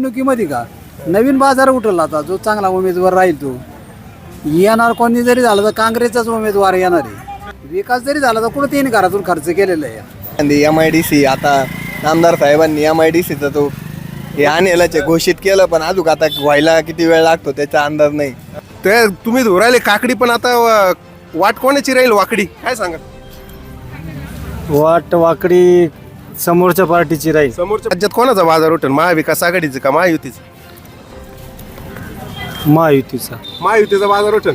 निवडणुकीमध्ये का नवीन बाजार उठला आता जो चांगला उमेदवार राहील तो येणार. कोणी जरी झालं तर काँग्रेसचाच उमेदवार येणार आहे. विकास जरी झाला तर कुठं त्यांनी घरातून खर्च केलेला आहे. MIDC आता आमदार साहेबांनी MIDCचा तो हे आणेलाचे घोषित केलं, पण अजून आता व्हायला किती वेळ लागतो त्याचा अंदाज नाही. ते तुम्ही धुरायले काकडी, पण आता वाट कोणाची राहील वाकडी काय सांगा? वाट वाकडी समोरच्या पार्टीची राहील. समोरच्या राज्यात कोणाचा बाजार उठेल? महाविकास आघाडीचं का महायुतीचं? महायुतीचा. महायुतीचा बाजार उठेल.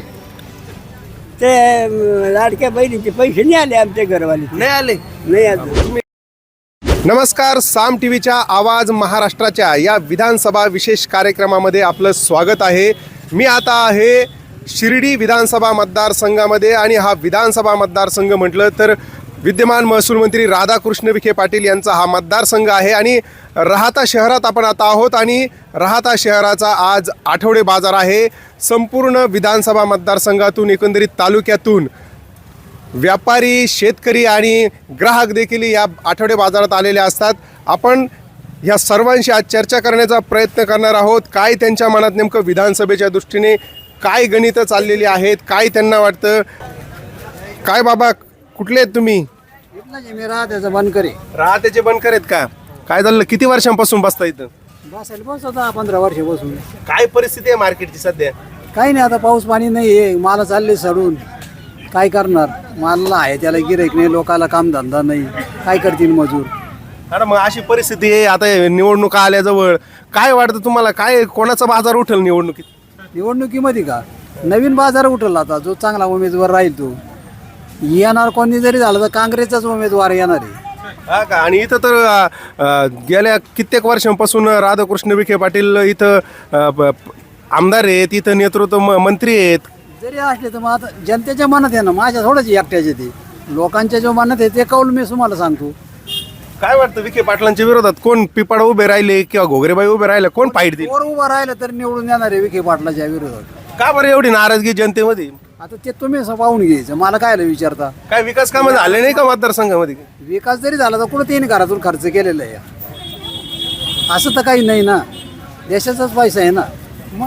ते लाडक्या बहिणीचे पैसे नाही आले आमच्या घरवाले, नाही आले. नाही आले. नमस्कार, साम टीव्हीच्या आवाज महाराष्ट्राच्या या विधानसभा विशेष कार्यक्रमामध्ये आपलं स्वागत आहे. मी आता आहे शिर्डी विधानसभा मतदारसंघामध्ये आणि हा विधानसभा मतदारसंघ म्हटलं तर विद्यमान महसूल मंत्री राधाकृष्ण विखे पाटील यांचा हा मतदारसंघ आहे आणि राहाता शहरात आपण आता आहोत आणि राहाता शहराचा आज आठवडे बाजार आहे. संपूर्ण विधानसभा मतदारसंघातून एकंदरीत तालुक्यातून व्यापारी, शेतकरी आणि ग्राहक देखील या आठवडे बाजारात आलेले असतात. आपण ह्या सर्वांशी आज चर्चा करण्याचा प्रयत्न करणार आहोत. काय त्यांच्या मनात नेमकं विधानसभेच्या दृष्टीने काय गणितं चाललेली आहेत, काय त्यांना वाटतं. काय बाबा, कुठले आहेत तुम्ही? मी राहत्याचं बनकरे. राहत्याचे बनकर आहेत का? काय झालं, किती वर्षांपासून बसता इथं? बसायला बस होता 15 वर्ष बसून. काय परिस्थिती आहे मार्केटची सध्या? काही नाही, आता पाऊस पाणी नाही आहे, माल चालले सडून. काय करणार, मालला आहे त्याला गिऱ्हाईक नाही, लोकाला कामधंदा नाही, काय करतील मजूर. अरे मग अशी परिस्थिती आहे. आता निवडणुका आल्याजवळ काय वाटतं तुम्हाला, काय कोणाचा बाजार उठेल निवडणुकीत? निवडणुकीमध्ये का नवीन बाजार उठला आता जो चांगला उमेदवार राहील तो येणार. कोणी जरी झालं तर काँग्रेसचाच उमेदवार येणार आहे. हा का? आणि इथं तर गेल्या कित्येक वर्षांपासून राधाकृष्ण विखे पाटील इथं आमदार आहेत, इथं नेतृत्व मंत्री आहेत. जरी असले तर मग आता जनतेच्या मनात आहे ना, माझ्या थोडंच एकट्याचे ते लोकांच्या जो मनात आहे ते कौल मी तुम्हाला सांगतो. काय वाटतं विखे पाटलांच्या विरोधात कोण पिपाडा उभे राहिले किंवा घोगरेबाई उभे राहिले, कोण फाईट देईल? वर उभं राहिलं तर निवडून येणार आहे विखे पाटलाच्या विरोधात. का बरं एवढी नाराजगी जनतेमध्ये? आता ते तुम्ही असं पाहून घ्यायचं, मला काय विचारता. काय विकास कामं झाले नाही का मतदारसंघामध्ये? विकास जरी झाला तर कुठं त्यांनी घरातून खर्च केलेला आहे. असं तर काही नाही ना, देशाचाच पैसा आहे ना. मग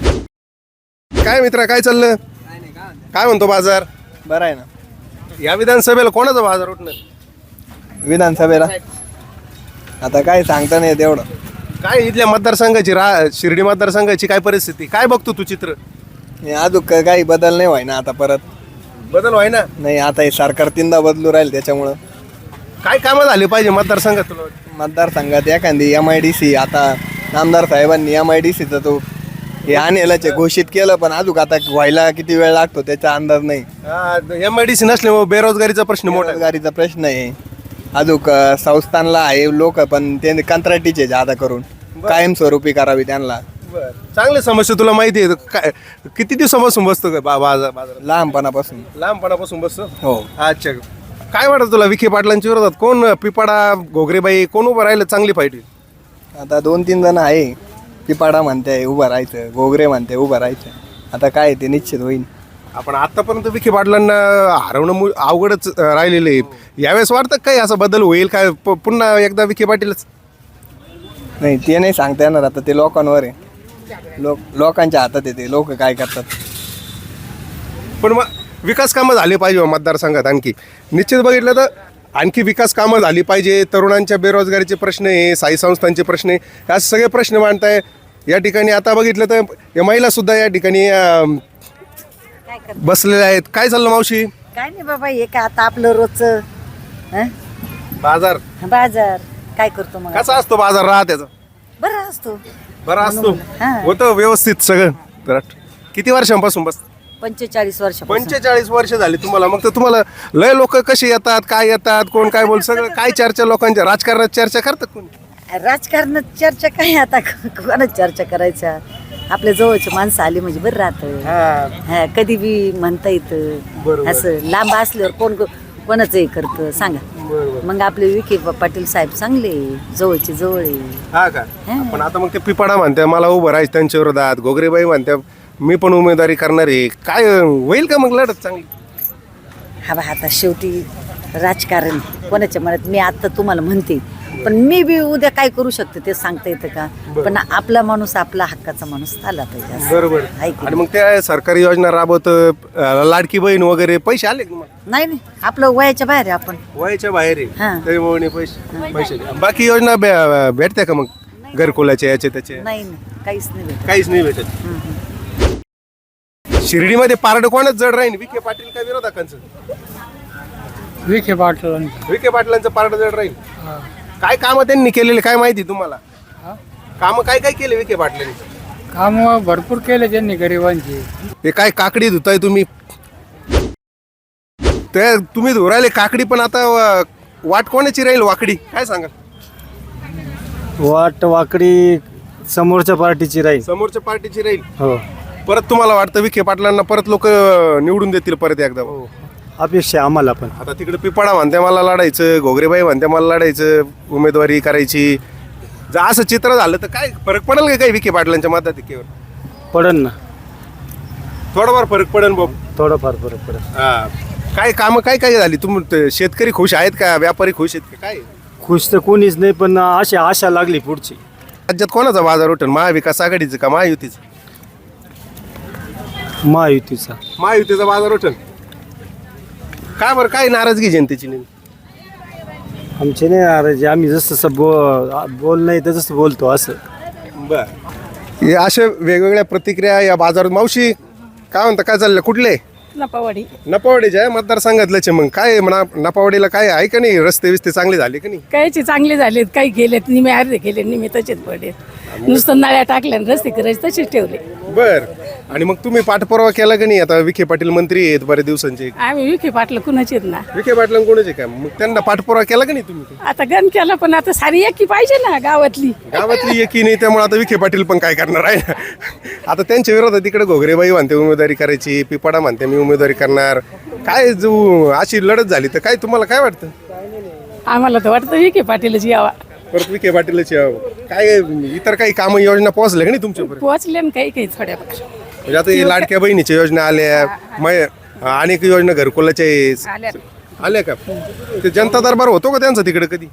काय मित्रा, काय चाललं? काय म्हणतो बाजार? बरं आहे ना. या विधानसभेला कोणाचा बाजार उठणार? विधानसभेला आता काय सांगता नाही तेवढं. काय इथल्या मतदारसंघाची शिर्डी मतदारसंघाची काय परिस्थिती, काय बघतो तू चित्र? हे अजून काही बदल नाही व्हाय ना आता परत. बदल व्हाय ना. नाही, आता हे सरकार तीनदा बदलू राहील त्याच्यामुळं. काय कामं झाले पाहिजे मतदारसंघात तुला वाटतं? मतदारसंघात एखादी MIDC आता आमदार साहेबांनी MIDCचा तो हे आणेलाचे घोषित केलं, पण अजून आता व्हायला किती वेळ लागतो त्याचा अंदाज नाही. MIDC नसल्यामुळे बेरोजगारीचा प्रश्न मोठा आहे. बेरोजगारीचा प्रश्न आहे. अजूक संस्थानला आहे लोक, पण ते कंत्राटीचे जादा करून कायमस्वरूपी करावी त्यांना. बरं. चांगली समस्या तुला माहिती आहे. काय किती दिवसापासून बसतो काय बाजारात? लहानपणापासून. लहानपणापासून बसतो. हो. अच्छा, काय वाटतं तुला विखे पाटलांच्या विरोधात कोण, पिपाडा, घोगरेबाई, कोण उभं राहिलं चांगली फाईट होईल? आता 2-3 जण आहे. पिपाडा म्हणते उभं राहायचं, घोगरे म्हणते उभं राहायचं. आता काय ते निश्चित होईल. आपण आतापर्यंत विखे पाटलांना हरवणं अवघडच राहिलेलं आहे. यावेळेस वाटतं काय असा बदल होईल काय, पुन्हा एकदा विखे पाटीलच? नाही, ते नाही सांगता येणार. आता ते लोकांवर आहे. लोकांच्या हातात येते, लोक काय करतात. पण मग विकास कामं झाले पाहिजे मतदारसंघात. आणखी निश्चित बघितलं तर आणखी विकास कामं झाली पाहिजे. तरुणांच्या बेरोजगारीचे प्रश्न आहे, साई संस्थांचे प्रश्न आहे, हे सगळे प्रश्न मांडताय या ठिकाणी. आता बघितलं तर या महिला सुद्धा या ठिकाणी बसलेल्या आहेत. काय चाललं मावशी? काय नाही बाबा, हे का आता आपलं रोजचं बाजार बाजार काय करतो मग? कसा असतो बाजार राहत्याचा? बरं असतो. बरं असतो. हा. होतं व्यवस्थित सगळं. तर किती वर्षांपासून बस? 45 वर्ष. 45 वर्ष झाली तुम्हाला. मग तर तुम्हाला लय लोक कसे येतात, काय येतात, कोण काय बोल, सगळं काय चर्चा लोकांच्या, राजकारणात चर्चा करतात कोणी? राजकारणात चर्चा काय आता, कोणाच चर्चा करायच्या. आपल्या जवळची माणसं आली म्हणजे बरं राहतं. कधी बी म्हणता येतं. असं लांब असल्यावर कोण कोणाचं हे करतं सांगा. मग आपले विखे पाटील साहेब चांगले, जवळचे जवळ आहे. हा का? पण आता मग ते पिपाडा म्हणते मला उभं राहायचं त्यांच्या विरोधात, घोगरेबाई म्हणते मी पण उमेदवारी करणार आहे. काय होईल का मग लढत चांगली? हा बा, आता शेवटी राजकारण कोणाच्या मनात. मी आता तुम्हाला म्हणते पण मी बी उद्या काय करू शकते ते सांगता येतं का? पण आपला माणूस आपला हक्काचा माणूस आला पाहिजे असं. बरोबर. आहे की आणि मग त्या सरकारी योजना राबवत लाडकी बहीण वगैरे पैसे आले का तुम्हाला? नाही नाही आपलं वयाच्या बाहेर आहे आपण. वयाच्या बाहेर आहे हां. त्यामुळे पैसे बाकी योजना भेटत्या का मग घरकुलाच्या याचे त्याचे? नाही नाही काहीच नाही भेटत. काहीच नाही भेटत. शिर्डीमध्ये पारड कोणच जड राहील, विखे पाटील का विरोधकांचं? विखे पाटील विखे पाटलांचं पारड जड राहील. काय कामं त्यांनी केलेले काय माहिती तुम्हाला? कामं काय काय केले विखे पाटलांनी? काम भरपूर केले त्यांनी गरिबांची. हे काय काकडी धुताय तुम्ही? ते तुम्ही धुरायले काकडी, पण आता वाट कोणाची राहील वाकडी काय सांगा? वाट वाकडी समोरच्या पार्टीची राहील. समोरच्या पार्टीची राहील. हो, परत तुम्हाला वाटतं विखे पाटलांना परत लोक निवडून देतील परत एकदा? अपेक्षा आहे आम्हाला पण. आता तिकडे पिपाडा म्हणते मला लढायचं, घोगरेबाई म्हणते मला लढायचं, उमेदवारी करायची. जर असं चित्र झालं तर काय फरक पडेल का काही विखे पाटलांच्या मताधिक्यावर? पडन ना, थोडाफार फरक पडेल बाबू. थोडंफार फरक पडेल. काय कामं काय काय झाली? शेतकरी खुश आहेत का? व्यापारी खुश आहेत का? काय खुश तर कोणीच नाही, पण अशी आशा लागली पुढची. राज्यात कोणाचा बाजार उठेल? महाविकास आघाडीचं का महायुतीचं? महायुतीचा. महायुतीचा बाजार उठेल. काय बरं, काय नाराजगी जनतेची नाही? आमचे नाही नाराजी, आम्ही जसं बोल नाही तर जसं बोलतो असं. बर. हे अशा वेगवेगळ्या प्रतिक्रिया या बाजारात. मावशी काय म्हणता, काय चाललं? कुठले? नपावाडी. नपावाडीच्या आहे मतदारसंघातल्याचे. मग काय म्हणा, नपावाडीला काय आहे का नाही? रस्ते विस्ते चांगले झाले का नाही? कायचे चांगले झालेत, काही गेलेत, निमे अर्धे गेले, निमे तसेच पडले. नुसतं नळ्या टाकल्या आणि रस्ते करायचे तसेच ठेवले. बर. आणि मग तुम्ही पाठपुरावा केला का नाही? आता विखे पाटील मंत्री आहेत बऱ्याच दिवसांचे. आम्ही विखे पाटलं कुणाचेत ना. विखे पाटील कोणाचे काय? मग त्यांना पाठपुरावा केला का नाही तुम्ही? आता गण केला, पण आता सारी एकी पाहिजे ना गावातली. गावातली एकी नाही, त्यामुळे आता विखे पाटील पण काय करणार आहे? आता त्यांच्या विरोधात तिकडे घोगरेबाई म्हणते उमेदवारी करायची, पिपाडा म्हणते मी उमेदवारी करणार. काय जो अशी लढत झाली तर काय तुम्हाला काय वाटतं? आम्हाला तर वाटतं विखे पाटीलच यावा. परत विखे पाटीलच यावं. काय इतर काही कामं योजना पोहोचल्या का नाही तुमच्यापर्यंत? पोहोचले ना काही काही थोड्याफार. म्हणजे आता हे लाडक्या बहिणीच्या योजना आल्या, अनेक योजना घरकुलाच्या आल्या का? ते जनता दरबार होतो का त्यांचा तिकडे कधी?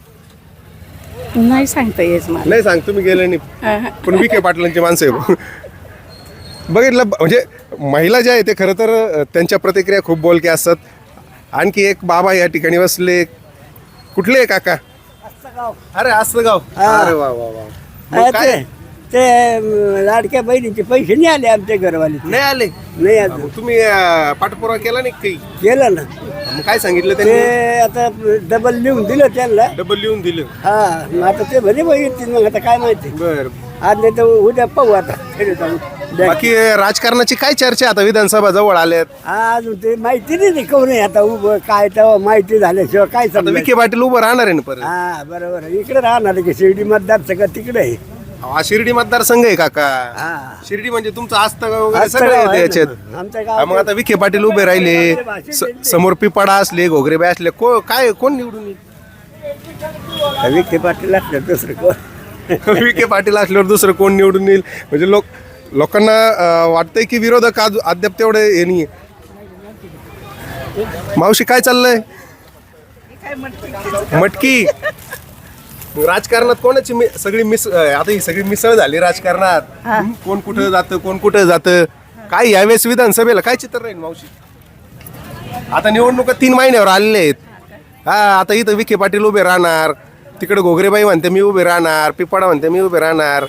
नाही सांगता येत मला. नाही सांग, तुम्ही गेले नाही. पण विखे पाटलांची माणसं आहे. बघितलं म्हणजे महिला ज्या आहे ते खरं तर त्यांच्या प्रतिक्रिया खूप बोलक्या असतात. आणखी एक बाबा या ठिकाणी बसले. कुठले आहे काका? अरे आसगाव. अरे वा वा वा. मग काय? ते लाडक्या बहिणीचे पैसे नाही आले आमच्या घरवाले. नाही आले? नाही आले. मग तुम्ही पाठपुरावा केला नाही काही? केलं ना. मग काय सांगितलं ते त्यांनी? आता डबल लिहून दिलं त्यांना. डबल लिहून दिलं. हा, मग आता ते भले बघितले. मग आता काय माहिती. बर. आज नाही तर उद्या पाहू आता. बाकी राजकारणाची काय चर्चा आता? विधानसभा जवळ आल्यात. अजून ते माहिती नाही कोण आहे आता उभं काय, तेव्हा माहिती झाल्याशिवाय काय आता समजा. विखे पाटील उभं राहणार आहे ना परत? हा बरोबर. इकडे राहणार की शिर्डी मतदारसंघ तिकडे आहे. हा शिर्डी मतदारसंघ आहे काका. हा. शिर्डी म्हणजे तुमचं आस्तगाव वगैरे आजचं सगळं गाव येतं आहे याच्यात. ना. आमच्या हा, गावात मग आता विखे पाटील उभे राहिले, समोर पिपाडा असले, घोगरेबाई असले, काय कोण निवडून येईल? विखे पाटील असलं दुसरं कोण. विखे पाटील असल्यावर दुसरं कोण निवडून येईल? म्हणजे लोकांना वाटतंय की विरोधक अद्याप तेवढे हे नाही. मावशी काय चाललंय? मटकी. राजकारणात कोणाची सगळी आता ही सगळी मिसळ झाली राजकारणात. कोण कुठं जातं, कोण कुठं जातं. काय यावेळेस विधानसभेला काय चित्र राहील मावशी? आता निवडणुका 3 महिन्यावर आलेले आहेत. हा, आता इथं विखे पाटील उभे राहणार, तिकडे घोगरेबाई म्हणते मी उभे राहणार, पिपाडा म्हणते मी उभे राहणार.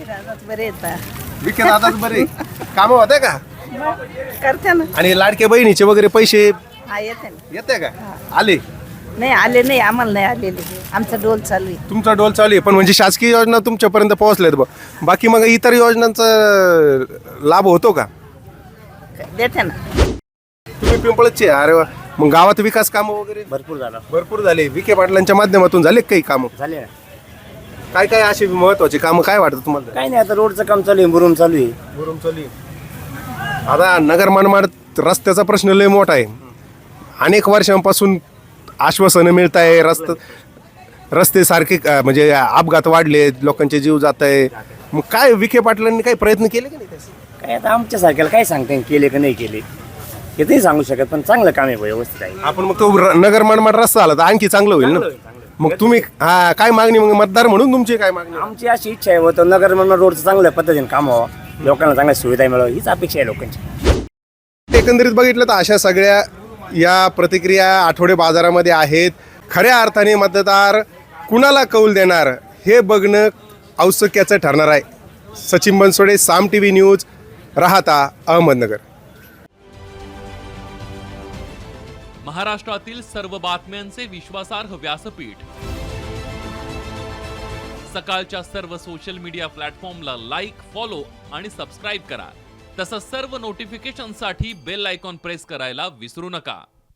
विखे दादाच बरे कामं होते का? करते ना. आणि लाडक्या बहिणीचे वगैरे पैसे येते येते का? आले? नाही आले नाही, आम्हाला नाही आलेले. आमचा डोल चालू आहे. तुमचा डोल चालू आहे, पण म्हणजे शासकीय योजना तुमच्यापर्यंत पोहोचल्यात बा. बाकी मग इतर योजनांचा लाभ होतो का? देते ना. तुम्ही पिंपळचे? अरे वा. मग गावात विकास कामं वगैरे भरपूर झाले. विखे पाटलांच्या माध्यमातून झाले काही कामं? झाले. काय काय अशी महत्वाची कामं काय वाटतं तुम्हाला? काही नाही, आता रोडचं काम चालू आहे, मुरुम चालू आहे. भरून चालू आहे. आता नगर मनमाड रस्त्याचा प्रश्न लय मोठा आहे. अनेक वर्षांपासून आश्वासनं मिळत आहे. रस्ते सारखे म्हणजे अपघात वाढले, लोकांचे जीव जात आहे. मग काय विखे पाटलांनी काही प्रयत्न केले की नाही त्याचे? काय आता आमच्या सारख्याला काय सांगता येईल केले का नाही केले हे ते सांगू शकत, पण चांगलं काम आहे व्यवस्थित आहे. आपण मग तो नगर मनमाड रस्ता आला तर आणखी चांगलं होईल ना. मग तुम्ही हा काय मागणी, मग मतदार म्हणून तुमची काय मागणी? आमची अशी इच्छा आहे होतं नगर म्हणून रोडचं चांगल्या पद्धतीने काम व्हावं, लोकांना चांगल्या सुविधा मिळावं, हीच अपेक्षा आहे लोकांची. एकंदरीत बघितलं तर अशा सगळ्या या प्रतिक्रिया आठवडे बाजारामध्ये आहेत. खऱ्या अर्थाने मतदार कुणाला कौल देणार हे बघणं औत्सुक्याचं ठरणार आहे. Sachin Bansode, Saam TV news, Rahata Ahmednagar. महाराष्ट्रातील सर्व बातम्यांचे विश्वासार्ह व्यासपीठ, सकाळच्या सर्व सोशल मीडिया प्लॅटफॉर्मला लाईक, फॉलो आणि सबस्क्राईब करा. तसंच सर्व नोटिफिकेशनसाठी बेल आयकॉन प्रेस करायला विसरू नका.